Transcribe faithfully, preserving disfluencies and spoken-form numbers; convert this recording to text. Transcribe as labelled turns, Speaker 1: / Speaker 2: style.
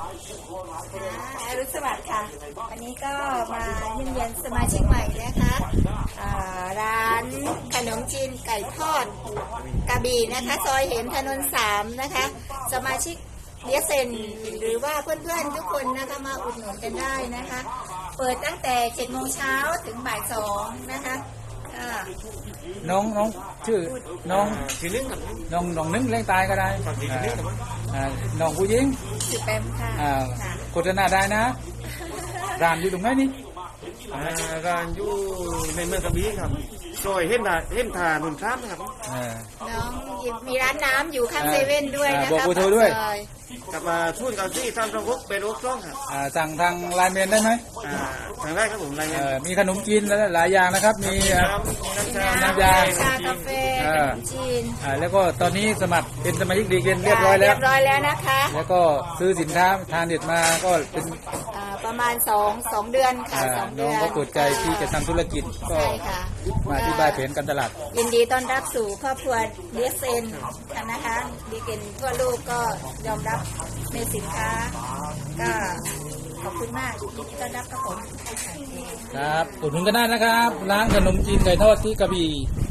Speaker 1: อรุณสวัสดิ์ค่ะวันนี้ก็มาเยี่ยมเยียนสมาชิกใหม่นะคะร้านขนมจีนไก่ทอดกระบี่นะคะซอยเห็นถนนสามนะคะสมาชิกเดียเซนหรือว่าเพื่อนๆทุกคนนะคะมาอุดหนุนกันได้นะคะเปิดตั้งแต่เจ็ดโมงเช้าถึงบ่ายสองนะคะ
Speaker 2: น้องน้องชื่อน้อง
Speaker 3: ชื่อนึงครับ
Speaker 2: น้องน้องนึงเล่นตายก็ได้น้องผู้หญิง
Speaker 1: สิบแปมค่ะ
Speaker 2: โฆษณาได้นะร้านอยู่ตรงไหนนี่
Speaker 3: ร้านอยู่ในเมืองกระบี่ครับซอยเห็นทาเห็นทาหนุนซ้ำครับ
Speaker 1: น้องมีร้านน้ำอยู่ข้างเซเว่นด้วยนะคะ
Speaker 2: บอกกูโทรด้วย
Speaker 3: กลับมาทุ่นเกาซี่ทำตรงกุ๊กเป็นโอ๊กซ่องครับ
Speaker 2: สั่งทางไลน์เมนได้ไหม
Speaker 3: ทางได้ครับผมไลน์เมน
Speaker 2: มีขนมจีนหลายอย่างนะครับมี
Speaker 1: น้ำยาชากาแฟจีน
Speaker 2: แล้วก็ตอนนี้สมัครเป็นสมาชิกดีเกนเรียบร้อยแล้ว
Speaker 1: เรียบร้อยแล้วนะคะ
Speaker 2: แล้วก็ซื้อสินค้าทานเด็ดมาก็เป็น
Speaker 1: ประมาณสองสองเดือนค่ะสองเดือน
Speaker 2: น้องก็เปิดใจที่จะทำธุรกิจก็มาที่บายเพนกันตลาด
Speaker 1: ยินดีต้อนรับสู่ครอบครัวเดียเซนนะคะดีเกนทั่วโลกก็ยอมรับในสินค้าก็ขอบคุณมากยินดีต้อนรับครับผม
Speaker 2: ครับอุดหนุนกันได้นะครับร้านขนมจีนไก่ทอดที่กระบี่